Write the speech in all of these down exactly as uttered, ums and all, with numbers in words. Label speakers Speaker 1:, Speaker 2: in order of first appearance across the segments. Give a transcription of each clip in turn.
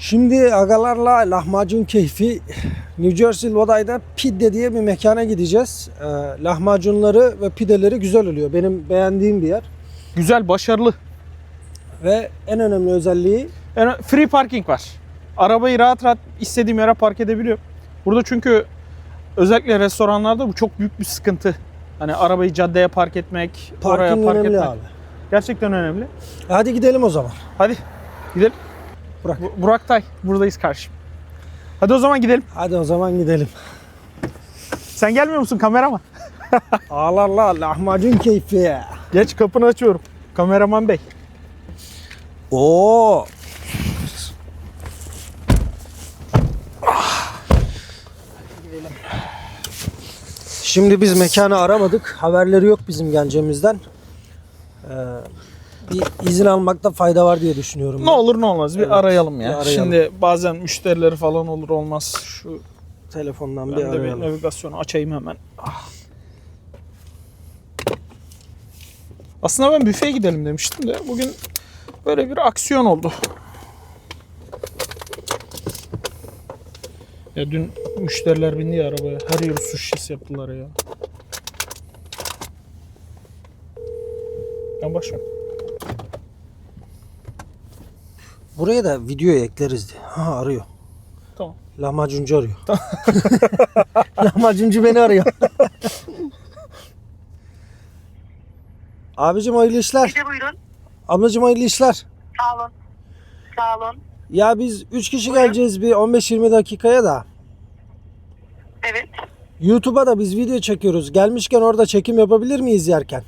Speaker 1: Şimdi agalarla lahmacun keyfi New Jersey Lodi'da Pide diye bir mekana gideceğiz. Ee, lahmacunları ve pideleri güzel oluyor. Benim beğendiğim bir yer.
Speaker 2: Güzel, başarılı.
Speaker 1: Ve en önemli özelliği
Speaker 2: Yani free parking var. Arabayı rahat rahat istediğim yere park edebiliyorum. Burada çünkü özellikle restoranlarda bu çok büyük bir sıkıntı. Hani arabayı caddeye park etmek, oraya
Speaker 1: parking
Speaker 2: park
Speaker 1: önemli
Speaker 2: etmek.
Speaker 1: abi.
Speaker 2: Gerçekten önemli.
Speaker 1: Hadi gidelim o zaman.
Speaker 2: Hadi gidelim.
Speaker 1: Burak.
Speaker 2: Bu- Burak Tay, buradayız karşım. Hadi o zaman gidelim.
Speaker 1: Hadi o zaman gidelim.
Speaker 2: Sen gelmiyor musun kameraman?
Speaker 1: Ağlarla lahmacun keyfi.
Speaker 2: Geç, kapını açıyorum. Kameraman bey.
Speaker 1: Oo. Şimdi biz mekanı aramadık. Haberleri yok bizim geleceğimizden. Ee, bir izin almakta fayda var diye düşünüyorum.
Speaker 2: Ne
Speaker 1: ben.
Speaker 2: olur ne olmaz bir
Speaker 1: Evet,
Speaker 2: arayalım ya.
Speaker 1: bir arayalım.
Speaker 2: Şimdi bazen müşterileri falan olur olmaz. Şu
Speaker 1: Telefondan
Speaker 2: ben
Speaker 1: bir
Speaker 2: de bir
Speaker 1: arayalım.
Speaker 2: navigasyonu açayım hemen. Ah. Aslında ben büfeye gidelim demiştim de bugün böyle bir aksiyon oldu. Ya dün müşteriler bindi ya arabaya. Her yeri su şişesi yaptılar ya. Ben başlıyorum.
Speaker 1: Buraya da video ekleriz diye. Ha arıyor.
Speaker 2: Tamam.
Speaker 1: Lahmacuncu arıyor. Lahmacuncu beni arıyor. Abicim hayırlı işler.
Speaker 3: Bir de buyurun.
Speaker 1: Ablacım hayırlı işler.
Speaker 3: Sağ olun. Sağ olun.
Speaker 1: Ya biz üç kişi geleceğiz bir on beş yirmi dakikaya da.
Speaker 3: Evet.
Speaker 1: YouTube'a da biz video çekiyoruz. Gelmişken orada çekim yapabilir miyiz yerken?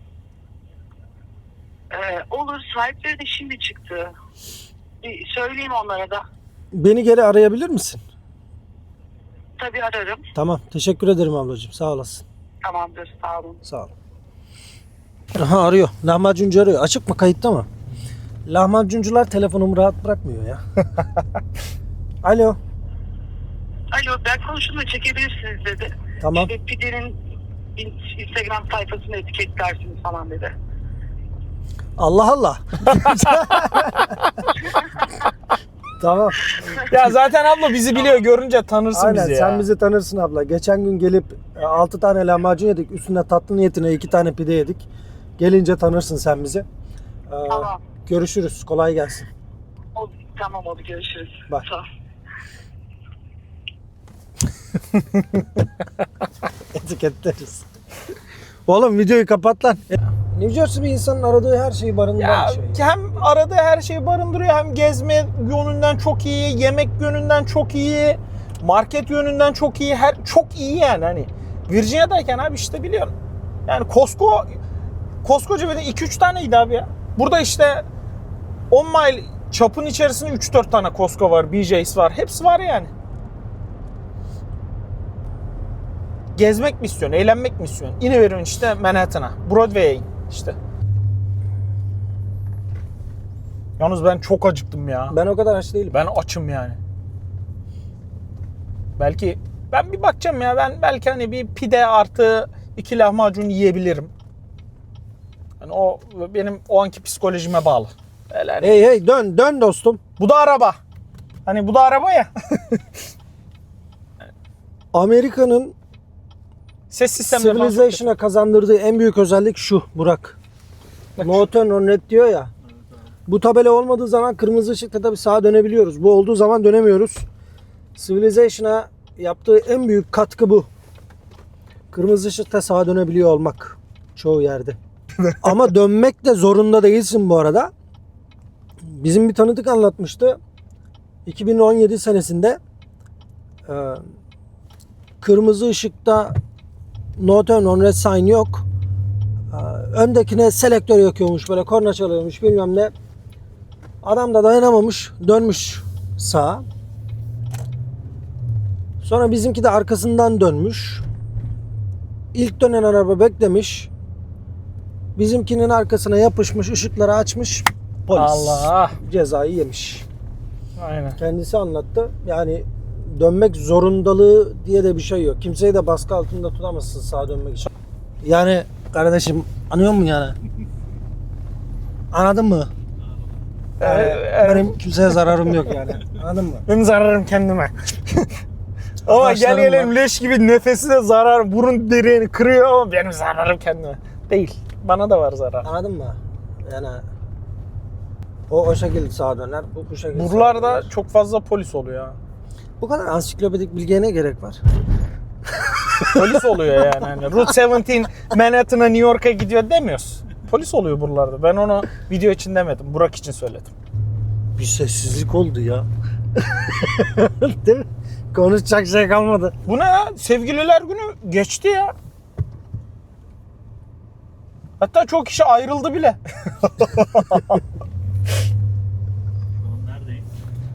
Speaker 3: Ee, olur. Sahipleri de şimdi çıktı. Bir söyleyeyim onlara da.
Speaker 1: Beni geri arayabilir misin?
Speaker 3: Tabii ararım.
Speaker 1: Tamam. Teşekkür ederim ablacığım. Sağ olasın.
Speaker 3: Tamamdır. Sağ olun.
Speaker 1: Sağ ol. Aha arıyor. Lahmacuncu arıyor. Açık mı? Kayıtta mı? Lahmacuncular telefonumu rahat bırakmıyor ya. Alo.
Speaker 3: Alo, ben konuşumla çekebilirsiniz dedi.
Speaker 1: Tamam.
Speaker 3: İşte Pide'nin Instagram sayfasını etiketlersiniz falan dedi.
Speaker 1: Allah Allah. Tamam.
Speaker 2: Ya zaten abla bizi biliyor, görünce tanırsın
Speaker 1: Aynen
Speaker 2: bizi ya.
Speaker 1: sen bizi tanırsın abla. Geçen gün gelip altı tane lahmacun yedik. Üstüne tatlı niyetine iki tane pide yedik. Gelince tanırsın sen bizi. Ee,
Speaker 3: Tamam.
Speaker 1: Görüşürüz. Kolay gelsin.
Speaker 3: O, tamam oldu. Görüşürüz.
Speaker 1: Bye.
Speaker 3: Sağ ol.
Speaker 1: Etiketleriz. Oğlum videoyu kapat lan. New Jersey bir insanın aradığı her şeyi barındıran
Speaker 2: Ya
Speaker 1: bir şey.
Speaker 2: hem aradığı her şeyi barındırıyor, hem gezme yönünden çok iyi, yemek yönünden çok iyi, market yönünden çok iyi, her çok iyi yani hani. Virginia'dayken abi işte biliyorsun. Yani Costco koskoca bir de iki üç taneydi abi ya. Burada işte on mile çapın içerisinde üç dört tane Costco var, B J's var. Hepsi var yani. Gezmek mi istiyorsun, eğlenmek mi istiyorsun? İniveriyorsun işte Manhattan'a, Broadway'e in işte. Yalnız ben çok acıktım ya.
Speaker 1: Ben o kadar aç değilim.
Speaker 2: Ben açım yani. Belki ben bir bakacağım ya. Ben belki hani bir pide artı iki lahmacun yiyebilirim. Yani o benim o anki psikolojime bağlı. Öyle hani-
Speaker 1: Hey hey dön dön dostum.
Speaker 2: Bu da araba. Hani bu da araba ya.
Speaker 1: Amerika'nın
Speaker 2: Ses sistemleri falan çok
Speaker 1: Civilization'a kazandırdığı en büyük özellik şu Burak. No turn on red diyor ya. Bu tabela olmadığı zaman kırmızı ışıkta tabii sağa dönebiliyoruz. Bu olduğu zaman dönemiyoruz. Civilization'a yaptığı en büyük katkı bu. Kırmızı ışıkta sağa dönebiliyor olmak çoğu yerde. Ama dönmek de zorunda değilsin bu arada. Bizim bir tanıdık anlatmıştı. iki bin on yedi senesinde e, kırmızı ışıkta no turn on red sign yok. E, öndekine selektör yakıyormuş, böyle korna çalıyormuş bilmem ne. Adam da dayanamamış, dönmüş sağa. Sonra bizimki de arkasından dönmüş. İlk dönen araba beklemiş. Bizimkinin arkasına yapışmış, ışıkları açmış. Polis
Speaker 2: Allah.
Speaker 1: cezayı yemiş.
Speaker 2: Aynen.
Speaker 1: Kendisi anlattı. Yani dönmek zorundalığı diye de bir şey yok. Kimseyi de baskı altında tutamazsın sağa dönmek için. Yani kardeşim anlıyor musun yani? Anladın mı? Yani
Speaker 2: Ee,
Speaker 1: benim kimseye zararım yok yani. Anladın mı?
Speaker 2: Benim zararım kendime. Ama gel
Speaker 1: Arkadaşlarım
Speaker 2: gelelim
Speaker 1: var.
Speaker 2: leş gibi nefesi de zarar, burun deriğini kırıyor ama benim zararım kendime. Değil. Bana da var zarar.
Speaker 1: Anladın mı? Yani o o şekilde sağa döner, bu bu şekilde sağa
Speaker 2: Buralarda
Speaker 1: döner.
Speaker 2: çok fazla polis oluyor ha.
Speaker 1: Bu kadar ansiklopedik bilgiye ne gerek var?
Speaker 2: Polis oluyor yani. Hani Route on yedi Manhattan'a, New York'a gidiyor demiyoruz. Polis oluyor buralarda. Ben onu video için demedim. Burak için söyledim.
Speaker 1: Bir sessizlik oldu ya. Değil mi? Konuşacak şey kalmadı.
Speaker 2: Bu ne ya? Sevgililer günü geçti ya. Hatta çok kişi ayrıldı bile.
Speaker 4: Neredeyim?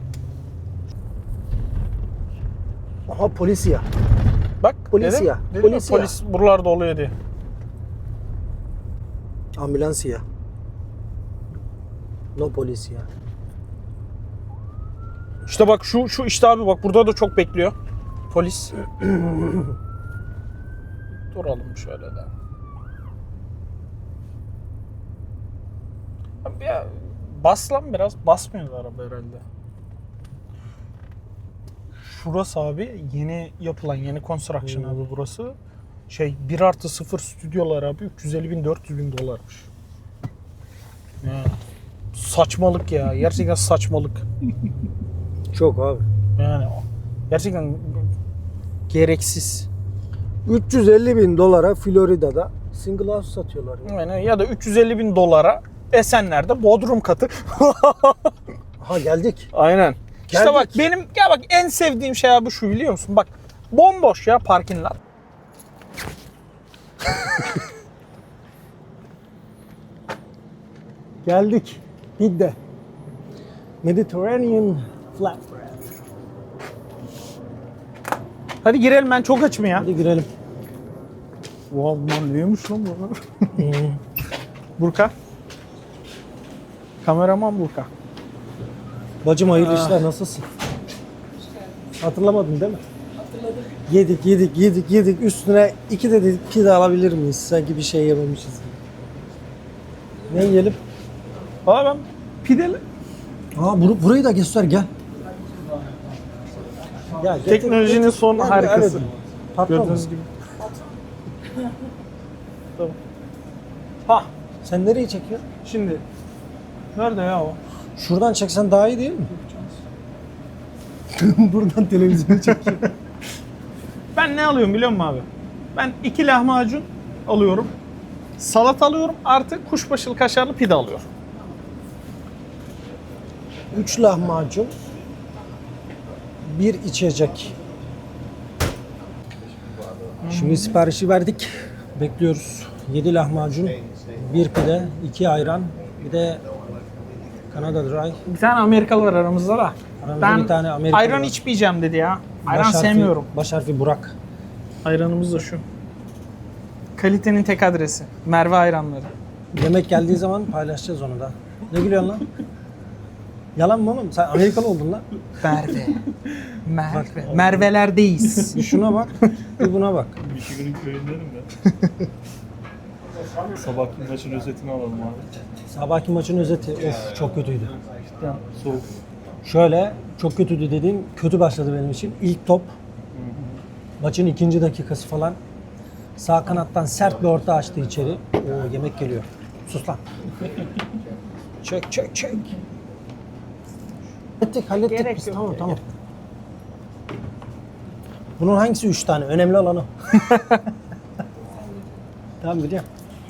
Speaker 1: Aha polis ya.
Speaker 2: Bak
Speaker 1: Polis
Speaker 2: dedim,
Speaker 1: ya,
Speaker 2: dedim
Speaker 1: polis
Speaker 2: ya,
Speaker 1: ya.
Speaker 2: polis buralarda oluyor diye.
Speaker 1: Ambulans ya. No polis ya.
Speaker 2: İşte bak şu şu işte abi bak burada da çok bekliyor. Polis. Duralım şöyle de. Abi ya bas lan biraz. Basmıyor da araba herhalde. Şurası abi yeni yapılan yeni construction
Speaker 1: Hmm.
Speaker 2: abi burası. Şey bir artı sıfır stüdyolar abi üç yüz elli bin dört yüz bin dolarmış. Ya, saçmalık ya. Gerçekten saçmalık.
Speaker 1: Çok abi.
Speaker 2: Yani gerçekten gereksiz.
Speaker 1: üç yüz elli bin dolara Florida'da single house satıyorlar. Ya.
Speaker 2: Yani ya da üç yüz elli bin dolara Esenler'de bodrum katı.
Speaker 1: Aha geldik.
Speaker 2: Aynen. İşte
Speaker 1: Geldik.
Speaker 2: bak benim ya bak en sevdiğim şey abi şu biliyor musun? Bak bomboş ya parking lot.
Speaker 1: Geldik. Gidde. Mediterranean flatbread.
Speaker 2: Hadi girelim ben çok açım ya.
Speaker 1: Hadi girelim.
Speaker 2: Wow lan neymiş lan bu? Burka. Kameraman Burka.
Speaker 1: Bacım hayırlı işler, nasılsın? Hatırlamadın değil mi? Hatırladım. Yedik yedik yedik yedik üstüne iki de dedik pide alabilir miyiz? Sanki bir şey yememişiz gibi. Ne yiyelim?
Speaker 2: Valla ben pideli.
Speaker 1: Aa bur- burayı da göster gel. Gel, getir,
Speaker 2: Teknolojinin
Speaker 1: getir.
Speaker 2: son
Speaker 1: Gel,
Speaker 2: harikası.
Speaker 1: evet. Patron
Speaker 2: Gördüğünüz
Speaker 1: mu?
Speaker 2: gibi. Tamam.
Speaker 1: Ha, sen nereyi çekiyorsun?
Speaker 2: Şimdi nerede ya o?
Speaker 1: Şuradan çeksen daha iyi değil mi? Buradan televizyonu çekiyor.
Speaker 2: Ben ne alıyorum biliyor musun abi? Ben iki lahmacun alıyorum. Salat alıyorum artı kuşbaşılı kaşarlı pide alıyorum.
Speaker 1: Üç lahmacun, bir içecek. Şimdi siparişi verdik. Bekliyoruz. Yedi lahmacun, bir pide, iki ayran, bir de Kanada Dry.
Speaker 2: Bir tane Amerikalı var aramızda da.
Speaker 1: Aramızda
Speaker 2: Ben
Speaker 1: bir tane Amerikalı
Speaker 2: ayran
Speaker 1: var.
Speaker 2: içmeyeceğim dedi ya. Ayran
Speaker 1: Baş harfi-
Speaker 2: sevmiyorum.
Speaker 1: Baş harfi Burak.
Speaker 2: Ayranımız da şu. Kalitenin tek adresi. Merve ayranları.
Speaker 1: Yemek geldiği zaman paylaşacağız onu da. Ne gülüyorsun lan? Yalan mı oğlum? Sen Amerikalı oldun lan.
Speaker 2: Merve. Merve. Merve'lerdeyiz.
Speaker 1: Bir şuna bak, bir buna bak.
Speaker 4: Michigan'ın köyündenim ben. Sabahki maçın özetini alalım abi.
Speaker 1: Sabahki maçın özeti, of çok kötüydü.
Speaker 4: Cidden soğuk.
Speaker 1: Şöyle, çok kötüydü dediğim, kötü başladı benim için. İlk top, maçın ikinci dakikası falan. Sağ kanattan sert bir orta açtı içeri. Oo, yemek geliyor. Sus lan. Çek, çek, çek. Hallettik, hallettik
Speaker 2: Gerek
Speaker 1: biz.
Speaker 2: yok,
Speaker 1: Tamam,
Speaker 2: gerek
Speaker 1: tamam. Bunun hangisi üç tane? Önemli olan o. Tamam biliyorum.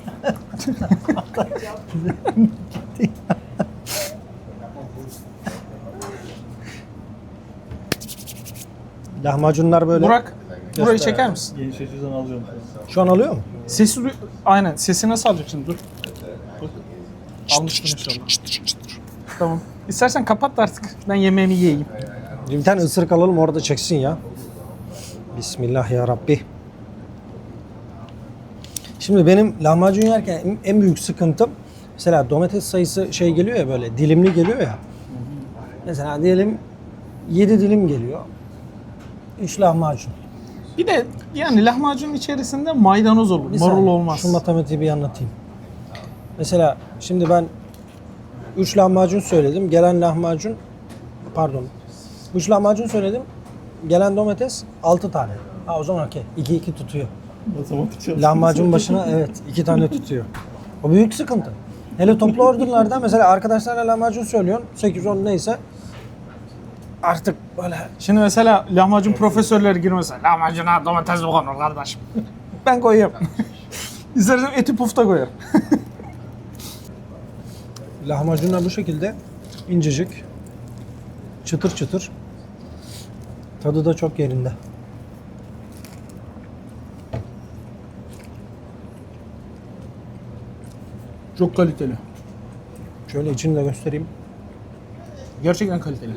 Speaker 1: Lahmacunlar böyle.
Speaker 2: Burak, burayı
Speaker 1: Göster.
Speaker 2: çeker misin?
Speaker 4: Genç açıdan alıyorum.
Speaker 1: Şu an alıyor mu?
Speaker 2: Sesi duy... Aynen. Sesi nasıl alacaksın? Dur. Dur. Almıştım inşallah. Tamam. İstersen kapat da artık. Ben yemeğimi yiyeyim.
Speaker 1: Bir tane ısırık alalım orada çeksin ya. Bismillah ya Rabbi. Şimdi benim lahmacun yerken en- en büyük sıkıntım mesela domates sayısı şey geliyor ya böyle dilimli geliyor ya. Mesela diyelim yedi dilim geliyor. üç lahmacun.
Speaker 2: Bir de yani lahmacunun içerisinde maydanoz olur.
Speaker 1: Bir
Speaker 2: Marul
Speaker 1: saniye,
Speaker 2: olmaz.
Speaker 1: Şu matematiği bir anlatayım. Mesela şimdi ben üç lahmacun söyledim. Gelen lahmacun pardon. üç lahmacun söyledim. Gelen domates altı tane. Ha o zaman okey. iki iki tutuyor.
Speaker 4: Matematik çalışması.
Speaker 1: Lahmacun başına evet iki tane tutuyor. O büyük sıkıntı. Hele toplu orderlarda mesela arkadaşlarla lahmacun söylüyorsun. sekiz on neyse. Artık böyle
Speaker 2: Şimdi mesela lahmacun profesörleri girmese lahmacuna domates mi konur kardeşim? Ben koyuyorum. İstersen eti pufta koyarım.
Speaker 1: lahmacunlar bu şekilde incecik. Çıtır çıtır. Tadı da çok yerinde.
Speaker 2: Çok kaliteli.
Speaker 1: Şöyle içini de göstereyim.
Speaker 2: Gerçekten kaliteli.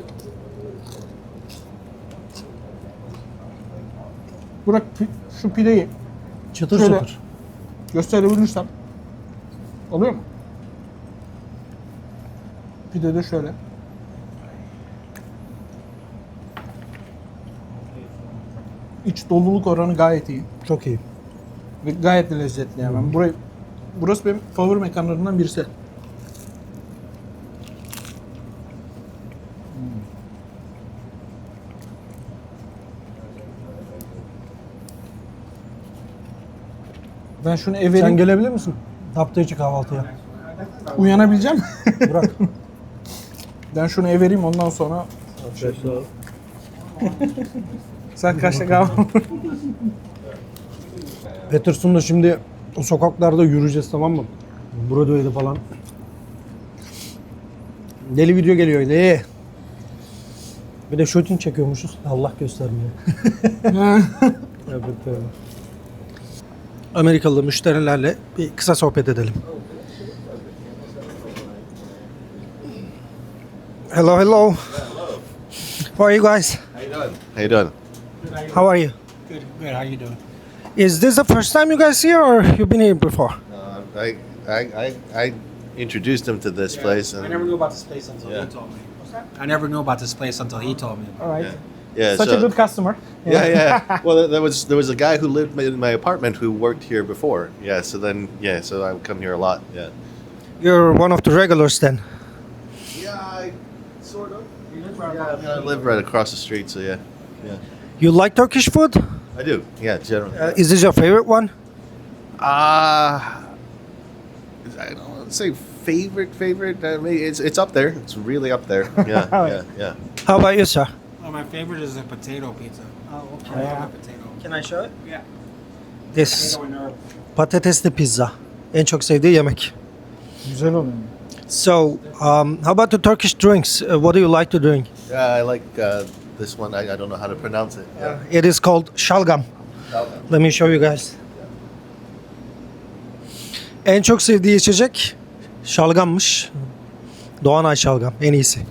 Speaker 2: Burak pi- şu pideyi
Speaker 1: Çıtır
Speaker 2: Şöyle.
Speaker 1: çıtır.
Speaker 2: gösterebilirsem oluyor mu? Pide de şöyle. İç doluluk oranı gayet iyi
Speaker 1: Çok iyi.
Speaker 2: ve gayet de lezzetli yani. Ben burayı burası benim favori mekanlarımdan birisi. Ben şunu ev
Speaker 1: Sen
Speaker 2: vereyim.
Speaker 1: gelebilir misin? Hafta içi kahvaltıya.
Speaker 2: Uyanabileceğim mi?
Speaker 1: Bırak.
Speaker 2: Ben şunu ev vereyim ondan sonra
Speaker 4: Şaşlar.
Speaker 2: sen kaçta kahvaltı?
Speaker 1: Peterson'da şimdi o sokaklarda yürüyeceğiz, tamam mı? Broadway'de falan. Deli video geliyor deli. Bir de shooting çekiyormuşuz. Allah göstermiyor. Evet, evet. Amerikalı müşterilerle bir kısa sohbet edelim. Hello, hello. How are you guys?
Speaker 5: How you doing? How you doing?
Speaker 1: How are you?
Speaker 2: Good, good. How you doing?
Speaker 1: Is this the first time you guys here, or you've been here before?
Speaker 5: Uh, I, I, I, I introduced him to this place,
Speaker 6: I
Speaker 5: and
Speaker 6: never knew about this place until
Speaker 5: Yeah.
Speaker 6: he told me. What's that? I never knew about this place until he told me.
Speaker 2: All right.
Speaker 5: yeah, yeah.
Speaker 2: Such
Speaker 5: so,
Speaker 2: a good customer.
Speaker 5: yeah, yeah. Well, there was there was a guy who lived in my apartment who worked here before. Yeah, so then yeah, so I would come here a lot. Yeah.
Speaker 1: You're one of the regulars then.
Speaker 5: Yeah, I sort of. Yeah, I, mean, I live right across the street, so yeah, yeah.
Speaker 1: You like Turkish food?
Speaker 5: I do. Yeah, generally.
Speaker 1: Uh, is this your favorite one?
Speaker 5: Uh, I don't want to say favorite favorite. I mean, it's it's up there. It's really up there. Yeah, yeah, yeah.
Speaker 1: How about you, sir?
Speaker 6: Oh, my favorite is the potato pizza.
Speaker 1: Oh,
Speaker 6: I love the potato.
Speaker 1: Can I show it?
Speaker 6: Yeah.
Speaker 1: This
Speaker 6: Potato and herb.
Speaker 1: patatesli pizza. En çok sevdiği yemek.
Speaker 2: Güzel oluyor.
Speaker 1: So, um, how about the Turkish drinks? Uh, what do you like to drink?
Speaker 5: Yeah, I like uh, this one. I, I don't know how to pronounce it. Yeah.
Speaker 1: It is called şalgam. Let me show you guys. En çok sevdiği içecek şalgammış. Doğanay şalgam en iyisi.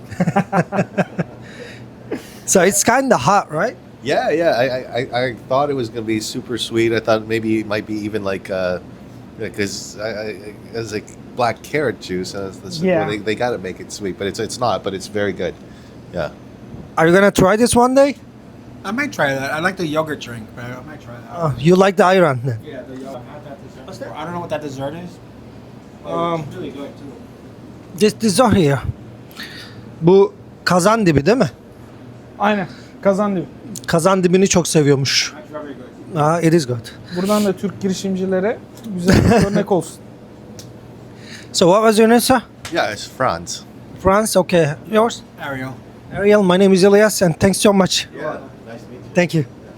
Speaker 1: So it's kind of hot, right?
Speaker 5: Yeah, yeah. I, I, I thought it was gonna be super sweet. I thought maybe it might be even like because I, I it was like black carrot juice. And it's,
Speaker 2: Yeah.
Speaker 5: they, they got to make it sweet, but it's it's not. But it's very good. Yeah.
Speaker 1: Are you gonna try this one day?
Speaker 6: I might try that. I like the yogurt drink, but I might try that.
Speaker 1: Uh, you like the ayran then?
Speaker 6: yeah, the yogurt. I had that dessert. What's that? I don't know what that dessert is. but
Speaker 1: Um,
Speaker 6: it's really good too.
Speaker 1: This dessert here. Bu kazan dibi değil mi?
Speaker 2: Aynen. Kazandı.
Speaker 1: Kazan dibini çok seviyormuş.
Speaker 6: That's very good.
Speaker 1: Ah, it is good.
Speaker 2: Buradan da Türk girişimcilere güzel bir örnek olsun.
Speaker 1: So what was your name, sir?
Speaker 5: Yeah, it's Franz.
Speaker 1: France, okay. Yours?
Speaker 6: Ariel.
Speaker 1: Ariel, my name is Elias and thanks so much.
Speaker 5: Yeah. Nice to meet you.
Speaker 1: Thank you.